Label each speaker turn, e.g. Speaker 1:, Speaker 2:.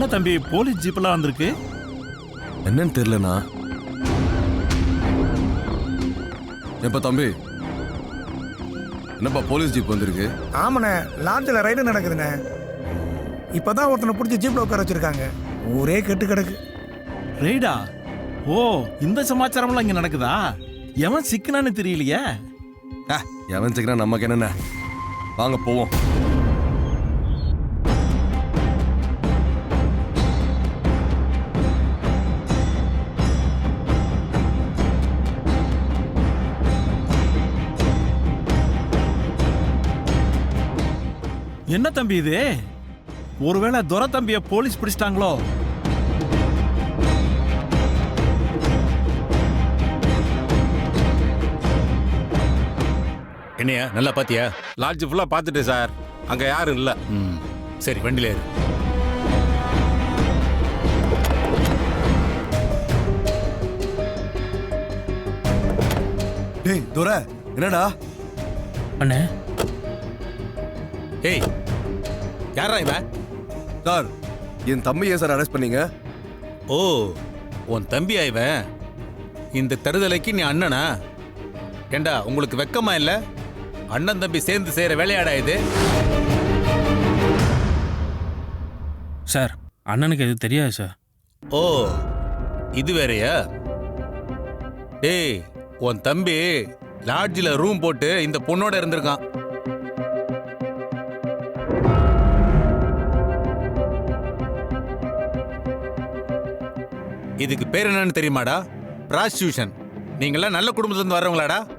Speaker 1: தம்பி போலீஸ் ஜீப்லாம் வந்திருக்கு?
Speaker 2: என்னன்னு தெரியலண்ணா. எப்ப தம்பி, என்னப்பா போலீஸ் ஜீப் வந்திருக்கு?
Speaker 3: ஆமாண்ணே, லாட்ஜில் ரைடு நடக்குதுண்ணே. இப்பதான் ஒருத்தனை பிடிச்சி ஜீப்ல உட்கார வச்சிருக்காங்க. ஊரே கெட்டு கிடக்கு.
Speaker 1: ரெய்டா? ஓ, இந்த சமாச்சாரம்லாம் இங்க நடக்குதா? எவன் சிக்கனான்னு தெரியலையே.
Speaker 2: எவன் சிக்கனா நமக்கு என்னென்ன, வாங்க போவோம்.
Speaker 1: என்ன தம்பி இது? ஒருவேளை துரை தம்பிய போலீஸ் பிடிச்சிட்டாங்களோ?
Speaker 4: என்னையா நல்லா பாத்தியா?
Speaker 5: லாட்ஜ் ஃபுல்லா பார்த்துட்டு சார், அங்க யாரும் இல்ல.
Speaker 4: சரி, வண்டியில ஏறு.
Speaker 2: டேய் துரை, என்னடா?
Speaker 1: அண்ணே,
Speaker 4: ஏய், யாரா இவன்?
Speaker 2: சார், என் தம்பி ஏன் சார் அரெஸ்ட் பண்ணீங்க?
Speaker 4: ஓ, உன் தம்பியா இவன்? இந்த தருதலைக்கு நீ அண்ணனா? ஏண்டா, உங்களுக்கு வெக்கமா இல்ல? அண்ணன் தம்பி சேர்ந்து செய்யற வேலையாடா இது?
Speaker 6: சார், அண்ணனுக்கு எது தெரியாது சார்.
Speaker 4: ஓ, இது வேறயா? டேய், உன் தம்பி லாட்ஜில் ரூம் போட்டு இந்த பொண்ணோட இருந்திருக்கான். இதுக்கு பேர் என்னன்னு தெரியுமாடா? பிராஸ்டியூஷன். நீங்களாம் நல்ல குடும்பத்துல இருந்து வர்றவங்களாடா?